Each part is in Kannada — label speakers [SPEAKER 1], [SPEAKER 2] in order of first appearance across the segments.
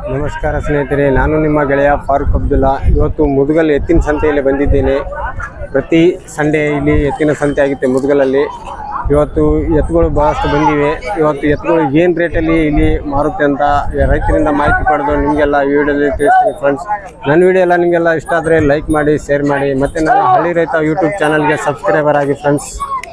[SPEAKER 1] ನಮಸ್ಕಾರ ಸ್ನೇಹಿತರೆ, ನಾನು ನಿಮ್ಮ ಗೆಳೆಯ ಫಾರೂಕ್ ಅಬ್ದುಲ್ಲಾ. ಇವತ್ತು ಮುದುಗಲ್ ಎತ್ತಿನ ಸಂತೆಯಲ್ಲಿ ಬಂದಿದ್ದೇನೆ. ಪ್ರತಿ ಸಂಡೇ ಇಲ್ಲಿ ಎತ್ತಿನ ಸಂತೆ ಆಗುತ್ತೆ ಮುದುಗಲಲ್ಲಿ. ಇವತ್ತು ಎತ್ತುಗಳು ಭಾಳಷ್ಟು ಬಂದಿವೆ. ಇವತ್ತು ಎತ್ತುಗಳು ಏನು ರೇಟಲ್ಲಿ ಇಲ್ಲಿ ಮಾರುತ್ತೆ ಅಂತ ರೈತರಿಂದ ಮಾಹಿತಿ ಪಡೆದು ನಿಮಗೆಲ್ಲ ಈ ವಿಡಿಯೋದಲ್ಲಿ ತಿಳಿಸ್ತೀನಿ ಫ್ರೆಂಡ್ಸ್. ನನ್ನ ವಿಡಿಯೋ ಎಲ್ಲ ನಿಮಗೆಲ್ಲ ಇಷ್ಟ ಆದರೆ ಲೈಕ್ ಮಾಡಿ, ಶೇರ್ ಮಾಡಿ, ಮತ್ತು ನನ್ನ ಹಳ್ಳಿ ರೈತ ಯೂಟ್ಯೂಬ್ ಚಾನಲ್ಗೆ ಸಬ್ಸ್ಕ್ರೈಬರ್ ಆಗಿ ಫ್ರೆಂಡ್ಸ್.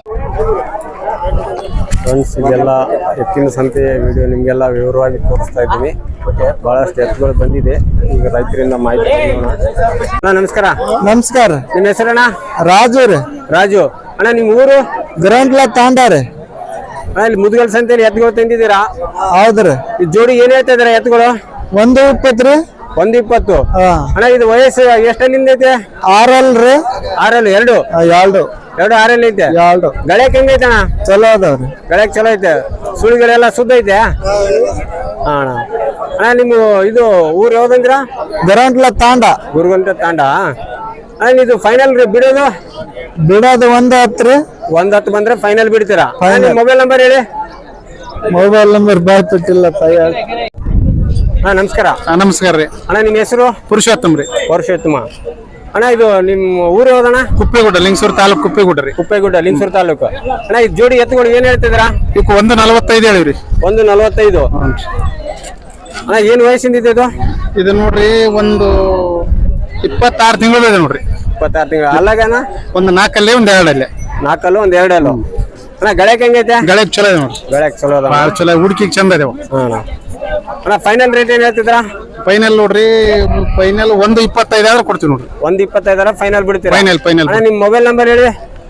[SPEAKER 1] ಇದೆಲ್ಲ ಎತ್ತಿನ ಸಂತೆಯ ವಿಡಿಯೋ ನಿಮಗೆಲ್ಲ ವಿವರವಾಗಿ ತೋರಿಸ್ತಾ ಇದ್ದೀನಿ. ಬಹಳಷ್ಟು ಎತ್ತುಗಳು ಬಂದಿದೆ. ಈಗ ರೈತರಿಂದ ಮಾಹಿತಿ ಅಣ್ಣ ನಮಸ್ಕಾರ.
[SPEAKER 2] ನಮಸ್ಕಾರ.
[SPEAKER 1] ನಿಮ್ಮ ಹೆಸರಣ್ಣ?
[SPEAKER 2] ರಾಜು ರೀ.
[SPEAKER 1] ರಾಜು ಅಣ್ಣ, ನಿಮ್ಮ ಊರು?
[SPEAKER 2] ಗ್ರೌಂಡ್ಲ ತಾಂಡಾರೆ.
[SPEAKER 1] ಇಲ್ಲಿ ಮುದುಗಲ್ ಸಂತೆಯಲ್ಲಿ ಎತ್ತುಗಳು ತಂದಿದ್ದೀರಾ?
[SPEAKER 2] ಹೌದ್ರಿ.
[SPEAKER 1] ಈ ಜೋಡಿ ಏನ್ ಹೇಳ್ತಾ ಇದಾರೆ ಎತ್ತುಗಳು?
[SPEAKER 2] 120 ರೀ.
[SPEAKER 1] 120. ಅಣ್ಣ, ಇದು ವಯಸ್ಸು ಎಷ್ಟಲ್ಲಿಂದ ಐತೆ?
[SPEAKER 2] 6 ರೀ.
[SPEAKER 1] 6 ಎರಡು 6 ಐತೆ. ಗಳಕ್ ಹೆಂಗೈತೆ ಅಣ್ಣ?
[SPEAKER 2] ಚಲೋ ಅದಾವ್ರಿ.
[SPEAKER 1] ಗಳಕ್ ಚಲೋ ಐತೆ. ಸುಳಿಗಳೆಲ್ಲ ಶುದ್ಧ ಐತೆ ಅಣ್ಣ. ಅಣ್ಣ, ನಿಮ್ಮ ಇದು ಊರು ಯಾವ್ದಂದ್ರ?
[SPEAKER 2] ಗ್ರೌಂಡ್ಲ ತಾಂಡ.
[SPEAKER 1] ಗುರುಗಂಟ ತಾಂಡ. ಅಣ್ಣ, ಇದು ಫೈನಲ್ ರೀ ಬಿಡೋದು?
[SPEAKER 2] 110 ರೀ.
[SPEAKER 1] 110 ಬಂದ್ರೆ ಫೈನಲ್ ಬಿಡ್ತೀರಾ? ಮೊಬೈಲ್ ನಂಬರ್ ಹೇಳಿ.
[SPEAKER 2] ಮೊಬೈಲ್ ನಂಬರ್ ಬಾಯ್ತಿಲ್ಲ.
[SPEAKER 1] ಹಾ ನಮಸ್ಕಾರ.
[SPEAKER 2] ನಮಸ್ಕಾರ ರೀ.
[SPEAKER 1] ಅಣ್ಣ, ನಿಮ್ಮ ಹೆಸರು?
[SPEAKER 2] ಪುರುಷೋತ್ತಮ ರೀ.
[SPEAKER 1] ಪುರುಷೋತ್ತಮ. ಅಣ್ಣ, ಇದು ನಿಮ್ಮ ಊರು ಯಾವ್ದಣ್ಣ?
[SPEAKER 2] ಕುಪ್ಪೇಗುಡ್ಡ, ಲಿಂಗಸೂರು ತಾಲೂಕು. ಕುಪ್ಪೇಗುಡ್ಡ ರೀ.
[SPEAKER 1] ಕುಪ್ಪೇಗುಡ್ಡ, ಲಿಂಗಸೂರು ತಾಲೂಕು. ಅಣ್ಣ, ಈ ಜೋಡಿ ಎತ್ತುಗಳು ಏನ್ ಹೇಳ್ತಿದ್ದೀರಾ?
[SPEAKER 2] ಈಗ 145 ಹೇಳಿವ್ರಿ.
[SPEAKER 1] 145. ಅಣ್ಣ, ಏನ್ ವಯಸ್ಸಿಂದ ಇದೆ ಇದು?
[SPEAKER 2] ಇದು ನೋಡ್ರಿ ಒಂದು 26 ತಿಂಗಳು ಇದೆ ನೋಡ್ರಿ.
[SPEAKER 1] 26 ತಿಂಗಳು. ಅಲ್ಲಾಗಣ್ಣ?
[SPEAKER 2] ಒಂದು 4 ಅಲ್ಲೇ ಒಂದು 2 ಅಲ್ಲೇ.
[SPEAKER 1] 4 ಅಲ್ಲು ಒಂದು 2 ಅಲ್ಲು. ಅಣ್ಣ, ಗಳಕ್ ಹೆಂಗೈತೆ?
[SPEAKER 2] ಗಳಕ್ ಚಲೋ ಇದೆ ನೋಡ್ರಿ.
[SPEAKER 1] ಗಳಕ್ ಚಲೋ ಅದ.
[SPEAKER 2] ಭಾಳ ಚಲೋ, ಹುಡುಕಿಗೆ ಚಂದ ಇದಾವ.
[SPEAKER 1] ಅಣ್ಣ, ಫೈನಲ್ ರೇಟ್ ಏನ್ ಹೇಳ್ತಿದ್ರಾ?
[SPEAKER 2] ಫೈನಲ್ ನೋಡ್ರಿ, ಫೈನಲ್ 125 ಆದ್ರೆ ಕೊಡ್ತೀವಿ ನೋಡ್ರಿ.
[SPEAKER 1] 125 ಫೈನಲ್ ಬಿಡ್ತೀರಾ?
[SPEAKER 2] ಫೈನಲ್.
[SPEAKER 1] ಅಣ್ಣ, ನಿಮ್ಮ ಮೊಬೈಲ್ ನಂಬರ್ ಹೇಳಿ.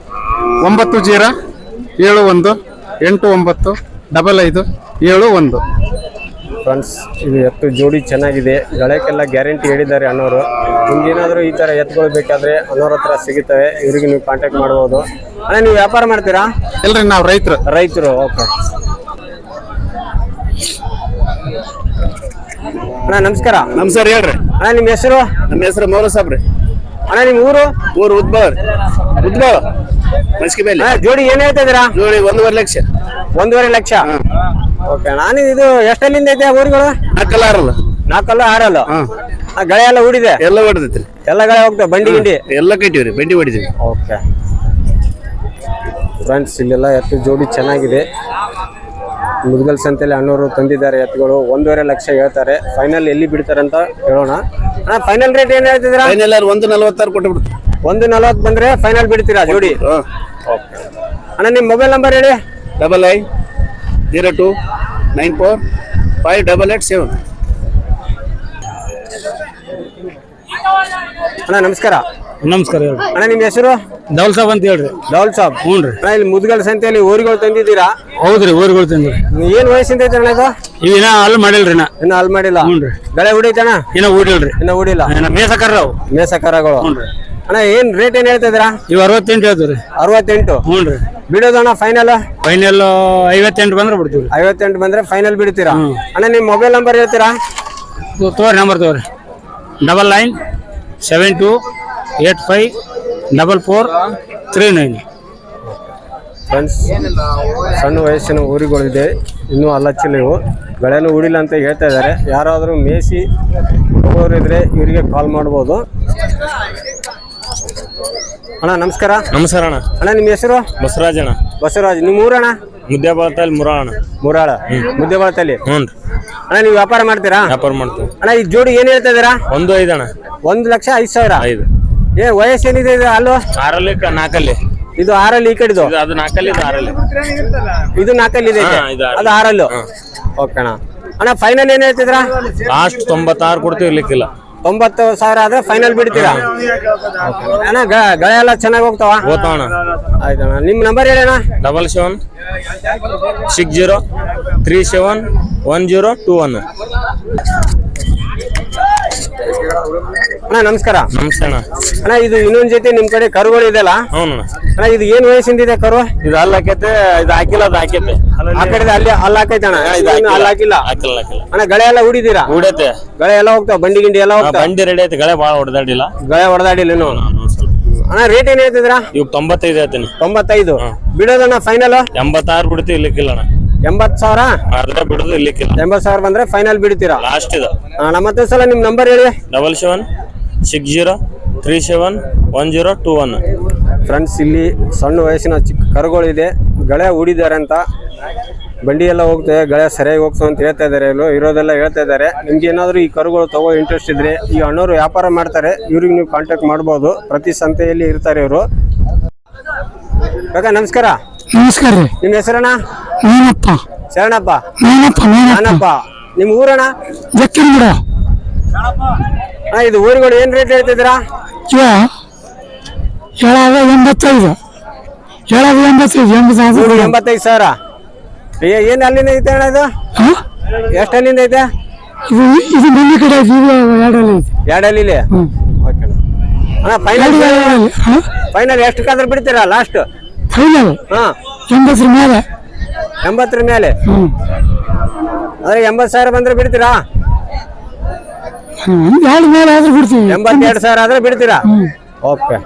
[SPEAKER 2] 9071895571.
[SPEAKER 1] ಫ್ರೆಂಡ್ಸ್, ಇದು ಎತ್ತು ಜೋಡಿ ಚೆನ್ನಾಗಿದೆ. ಗಳಕ್ಕೆಲ್ಲ ಗ್ಯಾರಂಟಿ ಹೇಳಿದ್ದಾರೆ ಅಣ್ಣವರು. ನಿಮ್ಗೇನಾದರೂ ಈ ಥರ ಎತ್ತುಗಳು ಬೇಕಾದರೆ ಅಣ್ಣವ್ರ ಹತ್ರ ಸಿಗುತ್ತವೆ. ಇವ್ರಿಗೆ ನೀವು ಕಾಂಟ್ಯಾಕ್ಟ್ ಮಾಡ್ಬೋದು. ಅಣ್ಣ, ನೀವು ವ್ಯಾಪಾರ ಮಾಡ್ತೀರಾ?
[SPEAKER 2] ಇಲ್ರಿ, ನಾವು ರೈತರು.
[SPEAKER 1] ಓಕೆ ಅಣ್ಣ ನಮಸ್ಕಾರ.
[SPEAKER 2] ನಮಸ್ಕಾರ, ಹೇಳ್ರಿ.
[SPEAKER 1] ಅಣ್ಣ, ನಿಮ್ಮ ಹೆಸರು?
[SPEAKER 2] ನಮ್ಮ ಹೆಸರು ಮೌಲ ಸಾಬ್ ರೀ.
[SPEAKER 1] ಅಣ್ಣ, ನಿಮ್ಮ ಊರು?
[SPEAKER 2] ಉದ್ಬಾಳ್ ಮಸ್ಕಿ ಮೇಲೆ.
[SPEAKER 1] ಜೋಡಿ ಏನ್ ಹೇಳ್ತಾ ಇದ್ದೀರಾ?
[SPEAKER 2] ಜೋಡಿ 1.5 ಲಕ್ಷ.
[SPEAKER 1] 1.5 ಲಕ್ಷ. ಓಕೆ. ನಾನು ಇದು ಎಷ್ಟಲ್ಲಿಂದ ಐತೆ ಊರುಗಳು?
[SPEAKER 2] 4 ಅಲ್ಲ.
[SPEAKER 1] 4 6 ಗಳೆ ಎಲ್ಲ ಹೂಡಿದೆ?
[SPEAKER 2] ಎಲ್ಲ ಹೊಡೆದೈತ್ರಿ.
[SPEAKER 1] ಎಲ್ಲ ಗಳೆ ಹೋಗ್ತಾವ? ಬಂಡಿ ಗಿಂಡಿ
[SPEAKER 2] ಎಲ್ಲ ಕಟ್ಟಿವ್ರಿ, ಬಂಡಿ ಹೊಡಿದೀವಿ.
[SPEAKER 1] ಓಕೆ ಫ್ರೆಂಡ್ಸ್, ಇಲ್ಲೆಲ್ಲ ಎತ್ತು ಜೋಡಿ ಚೆನ್ನಾಗಿದೆ. ಮುದುಗಲ್ ಸಂತೆಯಲ್ಲಿ ಅಣ್ಣವರು ತಂದಿದ್ದಾರೆ ಎತ್ತುಗಳು. 1.5 ಲಕ್ಷ ಹೇಳ್ತಾರೆ. ಫೈನಲ್ ಎಲ್ಲಿ ಬಿಡ್ತಾರೆ ಅಂತ ಹೇಳೋಣ. ಅಣ್ಣ, ಫೈನಲ್ ರೇಟ್ ಏನ್ ಹೇಳ್ತಿದ್ದೀರಾ?
[SPEAKER 2] ಫೈನಲ್ 1.46 ಕೊಟ್ಟು ಬಿಡ್ತೀವಿ.
[SPEAKER 1] 1.40 ಬಂದ್ರೆ ಫೈನಲ್ ಬಿಡ್ತೀರಾ ಜೋಡಿ? ಓಕೆ ಅಣ್ಣ, ನಿಮ್ಮ ಮೊಬೈಲ್ ನಂಬರ್ ಹೇಳಿ.
[SPEAKER 2] 5502945887.
[SPEAKER 1] ಅಣ್ಣ ನಮಸ್ಕಾರ.
[SPEAKER 2] ನಮಸ್ಕಾರ.
[SPEAKER 1] ಅಣ್ಣ, ನಿಮ್ಮ ಹೆಸರು?
[SPEAKER 2] ದೌಲ್ ಸಾಬ್ ಅಂತ ಹೇಳ್ರಿ.
[SPEAKER 1] ದೌಲ್ ಸಾಬ್.
[SPEAKER 2] ಹ್ಞೂ ರೀ.
[SPEAKER 1] ಅಣ್ಣ, ಇಲ್ಲಿ ಮುದುಗಲ್ ಸಂತೆಯಲ್ಲಿ ಊರುಗಳು ತಂದಿದ್ದೀರಾ?
[SPEAKER 2] ಹೌದ್ರಿ, ಊರುಗಳು ತಂದ್ರಿ.
[SPEAKER 1] ಏನ್ ವಯಸ್ಸಿಂದ ಐತೆ ಅಣ್ಣ ಇದು?
[SPEAKER 2] ಇನ್ನ ಅಲ್ಲಿ ಮಾಡಿಲ್ರಿ.
[SPEAKER 1] ಇನ್ನ ಅಲ್ಲಿ ಮಾಡಿಲ್ಲ.
[SPEAKER 2] ಹ್ಞೂ ರೀ.
[SPEAKER 1] ಗಳೆ ಹೊಡಿತಣ್ಣ?
[SPEAKER 2] ಇನ್ನ ಊಡಿಲ್ರಿ.
[SPEAKER 1] ಇನ್ನ ಹೂಡಿಲ್ಲ.
[SPEAKER 2] ಮೇಸಕರ್ರಾವ್
[SPEAKER 1] ಮೇಸಕರಗಳು.
[SPEAKER 2] ಹ್ಞೂ ರೀ.
[SPEAKER 1] ಅಣ್ಣ, ಏನ್ ರೇಟ್ ಏನ್ ಹೇಳ್ತಾ ಇದ್ದೀರಾ?
[SPEAKER 2] ಇವ್ 68 ಹೇಳ್ತೀವಿ.
[SPEAKER 1] 68.
[SPEAKER 2] ಹ್ಞೂ ರೀ.
[SPEAKER 1] ಬಿಡೋದು ಅಣ್ಣ ಫೈನಲ್?
[SPEAKER 2] ಫೈನಲ್ 58 ಬಂದ್ರೆ ಬಿಡ್ತೀವಿ.
[SPEAKER 1] 58 ಬಂದ್ರೆ ಫೈನಲ್ ಬಿಡ್ತೀರಾ? ಅಣ್ಣ, ನಿಮ್ಮ ಮೊಬೈಲ್ ನಂಬರ್ ಹೇಳ್ತೀರಾ?
[SPEAKER 2] ತೋರಿ ನಂಬರ್ ತೋರಿ. 9972854439.
[SPEAKER 1] ಫ್ರೆಂಡ್ಸ್, ಸಣ್ಣ ವಯಸ್ಸಿನ ಊರುಗಳಿದೆ, ಇನ್ನೂ ಅಲ್ಲಚ್ಚಿಲ್ಲ. ಇವು ಗಳೆನೂ ಹೂಡಿಲ್ಲ ಅಂತ ಹೇಳ್ತಾ ಇದ್ದಾರೆ. ಯಾರಾದರೂ ಮೇಯಿಸಿ ಹೋಗೋರಿದ್ರೆ ಇವರಿಗೆ ಕಾಲ್ ಮಾಡ್ಬೋದು. ಅಣ್ಣ ನಮಸ್ಕಾರ.
[SPEAKER 2] ನಮಸ್ಕಾರ ಅಣ್ಣ.
[SPEAKER 1] ಅಣ್ಣ, ನಿಮ್ಮ ಹೆಸರು?
[SPEAKER 2] ಬಸವರಾಜ್ ಅಣ್ಣ.
[SPEAKER 1] ಬಸವರಾಜ್. ನಿಮ್ಮ ಊರಣ್ಣ?
[SPEAKER 2] ಮುದ್ದೇಬಾಳತಲ್ಲಿ
[SPEAKER 1] ಮುರಾಳ. ಮುದ್ದೇಬಾಳತಲ್ಲಿ.
[SPEAKER 2] ಹ್ಞೂ ರೀ.
[SPEAKER 1] ಅಣ್ಣ, ನೀವು ವ್ಯಾಪಾರ ಮಾಡ್ತೀರಾ?
[SPEAKER 2] ವ್ಯಾಪಾರ ಮಾಡ್ತೀವಿ.
[SPEAKER 1] ಅಣ್ಣ, ಈ ಜೋಡಿ ಏನ್ ಹೇಳ್ತಾ ಇದ್ದೀರಾ?
[SPEAKER 2] 1.5 ಅಣ್ಣ.
[SPEAKER 1] 1,05,000. ಏ ವಯಸ್ಸೇನಿದೆ ಇದು? ಅಲ್ಲೋ
[SPEAKER 2] 6 4
[SPEAKER 1] ಇದು 6 ಈ ಕಡೆದು?
[SPEAKER 2] ಅದು 4 ಇದು 6
[SPEAKER 1] ಇದು 4 ಇದೆ. ಅದು 6. ಓಕೆ ಅಣ್ಣ. ಅಣ್ಣ, ಫೈನಲ್ ಏನ್ ಹೇಳ್ತಿದ್ರಾ?
[SPEAKER 2] ಲಾಸ್ಟ್ 96 ಕೊಡ್ತೀವಿ. ಇರ್ಲಿಕ್ಕಿಲ್ಲ.
[SPEAKER 1] 90,000 ಆದ್ರೆ ಫೈನಲ್ ಬಿಡ್ತೀರಾ? ಅಣ್ಣ, ಗಳೆ ಎಲ್ಲ ಚೆನ್ನಾಗಿ ಹೋಗ್ತಾವ?
[SPEAKER 2] ಹೋಗ್ತಾವಣ್ಣ.
[SPEAKER 1] ಆಯ್ತಣ್ಣ, ನಿಮ್ಮ ನಂಬರ್ ಹೇಳಿ ಅಣ್ಣ.
[SPEAKER 2] 7760371021.
[SPEAKER 1] ಅಣ್ಣ ನಮಸ್ಕಾರ.
[SPEAKER 2] ನಮಸ್ಕಾರ
[SPEAKER 1] ಅಣ್ಣ, ಇದು ಇನ್ನೊಂದ್ ಜೊತೆ ನಿಮ್ ಕಡೆ ಕರುಗಳು ಇದೆಲ್ಲ?
[SPEAKER 2] ಹ್ಞೂ
[SPEAKER 1] ಅಣ್ಣ, ಇದು ಏನ್ ವಯಸ್ಸಿಂದ ಇದೆ ಕರು?
[SPEAKER 2] ಇದು ಅಲ್ಲಿ ಹಾಕೈತೆ, ಇದು ಹಾಕಿಲ್ಲ. ಅದು ಹಾಕೈತೆ
[SPEAKER 1] ಆ ಕಡೆ ಅಲ್ಲಿ ಹಾಕೈತೆ ಅಣ್ಣ. ಅಲ್ಲಿ ಹಾಕಿಲ್ಲ. ಅಣ್ಣ, ಗಳೆ ಎಲ್ಲ ಹೂಡಿದೀರಾ?
[SPEAKER 2] ಹೂಡೈತೆ.
[SPEAKER 1] ಗಳೆ ಎಲ್ಲ ಹೋಗ್ತಾವ? ಬಂಡಿ ಗಿಂಡಿ ಎಲ್ಲ ಹೋಗ್ತಾವ?
[SPEAKER 2] ಬಂಡಿ ರೆಡಿ ಐತೆ. ಗಳೆ ಭಾಳ ಹೊಡೆದಾಡಿಲ್ಲ.
[SPEAKER 1] ಗಳೆ ಹೊಡೆದಾಡಿಲ್ಲ ಇನ್ನು. ಅಣ್ಣ, ರೇಟ್ ಏನ್ ಹೇಳ್ತಿದ್ರಾ?
[SPEAKER 2] ಇವ್ 95 ಹೇಳ್ತೀನಿ.
[SPEAKER 1] 95 ಬಿಡೋದಣ್ಣ ಫೈನಲ್?
[SPEAKER 2] 86 ಬಿಡ್ತೀವಿ. ಇರ್ಲಿಕ್ಕಿಲ್ಲ ಅಣ್ಣ.
[SPEAKER 1] 80,000
[SPEAKER 3] ಆದ್ರೆ ಬಿಡುದು ಇಲ್ಲಿಕ್ಕಿಲ್ಲ.
[SPEAKER 1] 80,000 ಬಂದ್ರೆ ಫೈನಲ್ ಬಿಡ್ತೀರಾ?
[SPEAKER 3] ಲಾಸ್ಟ್ ಇದು.
[SPEAKER 1] ಮತ್ತೆ ಸಲ ನಿಮ್ ನಂಬರ್ ಹೇಳಿ.
[SPEAKER 3] 7760371021.
[SPEAKER 1] ಫ್ರೆಂಡ್ಸ್, ಇಲ್ಲಿ ಸಣ್ಣ ವಯಸ್ಸಿನ ಚಿಕ್ಕ ಕರುಗಳಿದೆ, ಗಳೆ ಹೂಡಿದ್ದಾರೆ ಅಂತ. ಬಂಡಿ ಎಲ್ಲ ಹೋಗ್ತದೆ, ಗಳೆ ಸರಿಯಾಗಿ ಹೋಗ್ತದೆ ಅಂತ ಹೇಳ್ತಾ ಇದ್ದಾರೆ, ಇರೋದೆಲ್ಲ ಹೇಳ್ತಾ ಇದ್ದಾರೆ. ನಿಮ್ಗೆ ಏನಾದ್ರು ಈ ಕರುಗಳು ತಗೋ ಇಂಟ್ರೆಸ್ಟ್ ಇದ್ರೆ, ಈ ಅಣ್ಣವರು ವ್ಯಾಪಾರ ಮಾಡ್ತಾರೆ, ಇವ್ರಿಗೆ ನೀವು ಕಾಂಟ್ಯಾಕ್ಟ್ ಮಾಡ್ಬೋದು. ಪ್ರತಿ ಸಂತೆಯಲ್ಲಿ ಇರ್ತಾರೆ ಇವರು. ಕಾಕ ನಮಸ್ಕಾರ.
[SPEAKER 2] ನಮಸ್ಕಾರ ರೀ.
[SPEAKER 1] ನಿಮ್ಮ ಹೆಸರಣ್ಣ?
[SPEAKER 2] ನಾನಪ್ಪ.
[SPEAKER 1] ಶರಣಪ್ಪ.
[SPEAKER 2] ನಾನಪ್ಪ.
[SPEAKER 1] ನಿಮ್ಮ ಊರಣ್ಣ?
[SPEAKER 2] ಜಕ್ಕಿನ
[SPEAKER 1] ಇದು ಊರುಗಳು ಏನ್ ರೇಟ್ ಹೇಳ್ತಿದ್ದೀರಾ?
[SPEAKER 2] ಹೇಳೋದು 85.
[SPEAKER 1] 85,000. ಏನ್ ಅಲ್ಲಿಂದ ಐತೆ ಅಣ್ಣ ಇದು? ಎಷ್ಟು ಅಲ್ಲಿಂದ ಐತೆ?
[SPEAKER 2] ಇದು ಮನೆ ಕಡೆ
[SPEAKER 1] ಎರಡಲ್ಲಿ ಅಣ್ಣ. ಫೈನಲ್ ಎಷ್ಟಕ್ಕಾದ್ರೂ ಬಿಡ್ತೀರಾ ಲಾಸ್ಟ್?
[SPEAKER 2] ಫೈನಲ್ 80 ಮೇಲೆ.
[SPEAKER 1] 80 ಮೇಲೆ ಅಂದ್ರೆ 80,000 ಬಂದ್ರೆ ಬಿಡ್ತೀರಾ? 82,000 ಆದ್ರೆ ಬಿಡ್ತೀರಾ? ಓಕೆ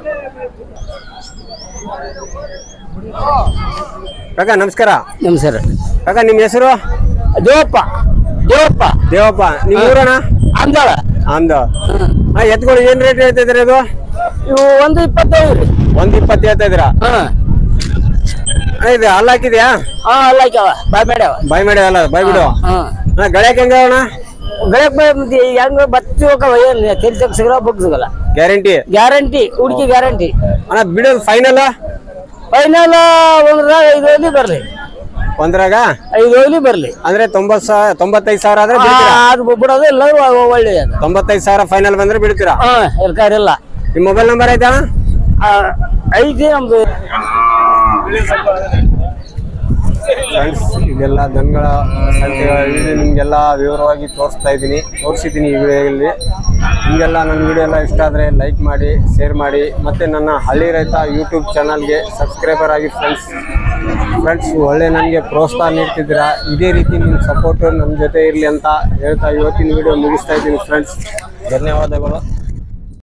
[SPEAKER 1] ಕಾಕ ನಮಸ್ಕಾರ.
[SPEAKER 2] ನಮಸ್ಕಾರ
[SPEAKER 1] ಕಾಕ ನಿಮ್ಮ ಹೆಸರು?
[SPEAKER 2] ದೇವಪ್ಪ.
[SPEAKER 1] ದೇವಪ್ಪ. ನಿಮ್ಮ ಊರಣ್ಣ?
[SPEAKER 2] ಅಂದಾಳ.
[SPEAKER 1] ಎತ್ಗಳು ಏನ್ ರೇಟ್ ಹೇಳ್ತಾ ಇದ್ರಿ? ಇದು
[SPEAKER 2] ಇವು 125.
[SPEAKER 1] 120 ಹೇಳ್ತಾ ಇದ್ದೀರಾ? ಇದು ಹಲ್ಲ ಹಾಕಿದ್ಯಾ?
[SPEAKER 2] ಅಲ್ಲ ಬಾಯ್ ಮಾಡ್ಯಾವ.
[SPEAKER 1] ಬಾಯ್ ಮಾಡಿ ಅಲ್ಲ ಬಾಯ್ ಬಿಡು. ಗಳಕ್ಕೆ ಹೆಂಗ ಅಣ್ಣ?
[SPEAKER 2] ಹೆಂಗ ಬತ್ತಿ ಹೋಗವ, ಏನ್ ತಿರ್ಸಕ್ ಸಿಗಲ್ಲ, ಬುಕ್ ಸಿಗಲ್ಲ. ಗ್ಯಾರಂಟಿ ಹುಡುಕಿ ಗ್ಯಾರಂಟಿ.
[SPEAKER 1] ಅಣ್ಣ ಬಿಡೋದು ಫೈನಲ್?
[SPEAKER 2] ಫೈನಲ್ ಒಂದ್ರಾಗ 5 ಬರ್ಲಿ.
[SPEAKER 1] ಒಂದ್ರಾಗ
[SPEAKER 2] 5 ಬರ್ಲಿ
[SPEAKER 1] ಅಂದ್ರೆ 95,000 ಆದ್ರೆ
[SPEAKER 2] ಅದು ಬಿಡೋದು ಇಲ್ಲ. ಒಳ್ಳೆ
[SPEAKER 1] 95,000 ಫೈನಲ್ ಬಂದ್ರೆ ಬಿಡ್ತೀರಾ?
[SPEAKER 2] ಇಲ್ಲ.
[SPEAKER 1] ನಿಮ್ಮ ಮೊಬೈಲ್ ನಂಬರ್ ಐತಾ?
[SPEAKER 2] ಐತಿ ನಮ್ದು.
[SPEAKER 1] ಫ್ರೆಂಡ್ಸ್, ಇದೆಲ್ಲ ದನಗಳ ಸಂತೆಗಳು ನಿಮಗೆಲ್ಲ ವಿವರವಾಗಿ ತೋರಿಸಿದ್ದೀನಿ ಈ ವಿಡಿಯೋದಲ್ಲಿ. ನಿಮಗೆಲ್ಲ ನನ್ನ ವಿಡಿಯೋ ಎಲ್ಲ ಇಷ್ಟ ಆದರೆ ಲೈಕ್ ಮಾಡಿ, ಶೇರ್ ಮಾಡಿ, ಮತ್ತು ನನ್ನ ಹಳ್ಳಿ ರೈತ ಯೂಟ್ಯೂಬ್ ಚಾನಲ್ಗೆ ಸಬ್ಸ್ಕ್ರೈಬರ್ ಆಗಿ ಫ್ರೆಂಡ್ಸ್ ಒಳ್ಳೆ ನನಗೆ ಪ್ರೋತ್ಸಾಹ ನೀಡ್ತಿದ್ದೀರಾ. ಇದೇ ರೀತಿ ನಿಮ್ಮ ಸಪೋರ್ಟು ನನ್ನ ಜೊತೆ ಇರಲಿ ಅಂತ ಹೇಳ್ತಾ ಇವತ್ತಿನ ವಿಡಿಯೋ ಮುಗಿಸ್ತಾ ಇದ್ದೀನಿ ಫ್ರೆಂಡ್ಸ್. ಧನ್ಯವಾದಗಳು.